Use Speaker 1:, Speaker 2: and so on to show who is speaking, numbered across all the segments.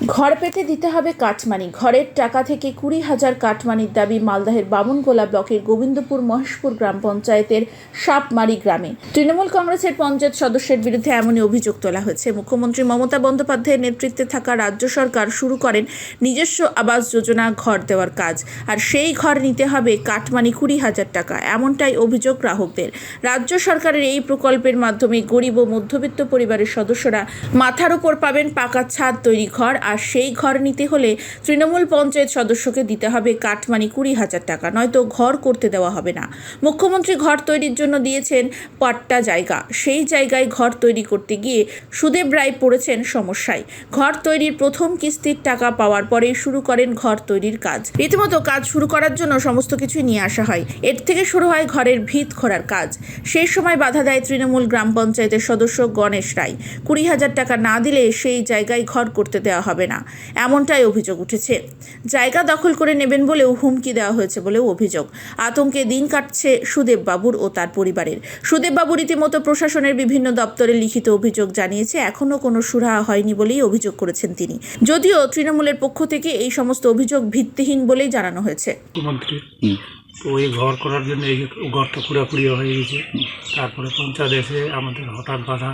Speaker 1: ঘর পেতে দিতে হবে কাটমানি। ঘরের টাকা থেকে 20,000 কাটমানির দাবি মালদহের বামুনগোলা ব্লকের গোবিন্দপুর মহেশপুর গ্রাম পঞ্চায়েতের সাপমারি গ্রামে। তৃণমূল কংগ্রেসের পঞ্চায়েত সদস্যের বিরুদ্ধে এমনই অভিযোগ তোলা হয়েছে। মুখ্যমন্ত্রী মমতা বন্দ্যোপাধ্যায়ের নেতৃত্বে থাকা রাজ্য সরকার শুরু করেন নিজস্ব আবাস যোজনা ঘর দেওয়ার কাজ, আর সেই ঘর নিতে হবে কাটমানি 20,000 টাকা, এমনটাই অভিযোগ গ্রাহকদের। রাজ্য সরকারের এই প্রকল্পের মাধ্যমে গরিব ও মধ্যবিত্ত পরিবারের সদস্যরা মাথার উপর পাবেন পাকা ছাদ তৈরি ঘর, আর সেই ঘর নিতে হলে তৃণমূল পঞ্চায়েত সদস্যকে দিতে হবে কাটমানি 20,000 টাকা, নয়তো ঘর করতে দেওয়া হবে না। মুখ্যমন্ত্রী ঘর তৈরির জন্য দিয়েছেন পাট্টা জায়গা, সেই জায়গায় ঘর তৈরি করতে গিয়ে সুদেব রায় পড়েছেন সমস্যায়। ঘর তৈরির প্রথম কিস্তির টাকা পাওয়ার পরেই শুরু করেন ঘর তৈরির কাজ। রীতিমতো কাজ শুরু করার জন্য সমস্ত কিছুই নিয়ে আসা হয়। এর থেকে শুরু হয় ঘরের ভিত খোঁড়ার কাজ। সেই সময় বাধা দেয় তৃণমূল গ্রাম পঞ্চায়েতের সদস্য গণেশ রায়। 20,000 টাকা না দিলে সেই জায়গায় ঘর করতে দেওয়া হবে না, এমনটাই অভিযোগ উঠেছে। জায়গা দখল করে নেবেন বলেও হুমকি দেওয়া হয়েছে বলেও অভিযোগ। আতঙ্কে দিন কাটছে সুদেব বাবুর ও তার পরিবারের। সুদেব বাবু রীতিমতো প্রশাসনের বিভিন্ন দপ্তরে লিখিত অভিযোগ জানিয়েছে, এখনও কোনো সুরাহা হয়নি বলেই অভিযোগ করেছেন তিনি। যদিও তৃণমূলের পক্ষ থেকে এই সমস্ত অভিযোগ ভিত্তিহীন বলেই জানানো হয়েছে।
Speaker 2: মুখ্যমন্ত্রী তো ওই ঘর করার জন্য এই ঘরটা পুরোপুরি হয়ে গেছে। তারপরে পঞ্চায়েত এসে আমাদের হঠাৎ বাধা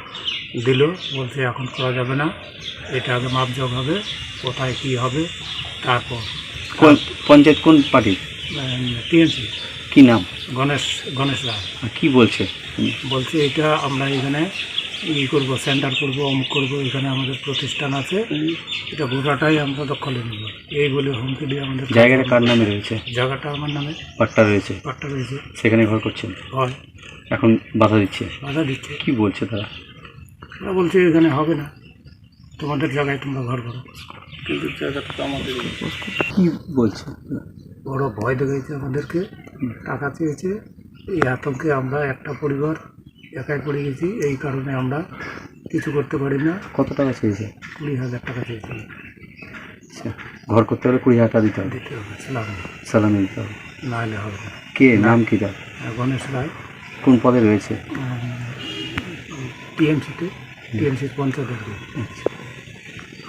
Speaker 2: দিল, বলছে এখন করা যাবে না, এটা আগে মাপজোক হবে, কোথায় কী হবে। তারপর
Speaker 3: কোন পঞ্চায়েত, কোন পার্টি,
Speaker 2: টিএমসি।
Speaker 3: কি নাম?
Speaker 2: গণেশ রায়।
Speaker 3: কি বলছে?
Speaker 2: বলছে এটা আমরা এখানে করবো, সেন্টার করবো, অমুক করবো, এখানে আমাদের প্রতিষ্ঠান আছে, এটা গোটাটাই আমরা দখলে নেব, এই বলে হুমকি দিয়ে আমাদের।
Speaker 3: জায়গাটা কার নামে রয়েছে?
Speaker 2: জায়গাটা আমার নামে,
Speaker 3: পাট্টা রয়েছে।
Speaker 2: পাট্টা রয়েছে,
Speaker 3: সেখানে ঘর করছেন?
Speaker 2: হয়।
Speaker 3: এখন বাধা দিচ্ছে?
Speaker 2: বাধা দিচ্ছে।
Speaker 3: কি বলছে তারা?
Speaker 2: ওরা বলছে এখানে হবে না, তোমাদের জায়গায় তোমরা ঘর করো। কিন্তু জায়গাটা তো আমাদের।
Speaker 3: কি বলছে?
Speaker 2: বড় ভয় দেখাইছে আমাদেরকে, টাকা চেয়েছে। এই আতঙ্কে আমরা একটা পরিবার একাই পড়ে গেছি, এই কারণে আমরা কিছু করতে পারি না।
Speaker 3: কত টাকা চেয়েছে?
Speaker 2: 20,000 টাকা চেয়েছি।
Speaker 3: আচ্ছা, ঘর করতে হলে 20,000 টাকা দিতে হবে?
Speaker 2: দিতে হবে, সালামি।
Speaker 3: সালামি দিতে হবে?
Speaker 2: না হলে হবে না।
Speaker 3: কে নাম কি তার?
Speaker 2: গণেশ রায়।
Speaker 3: কোন পদে রয়েছে?
Speaker 2: টিএমসিতে, টিএমসির পঞ্চায়েত।
Speaker 3: আচ্ছা।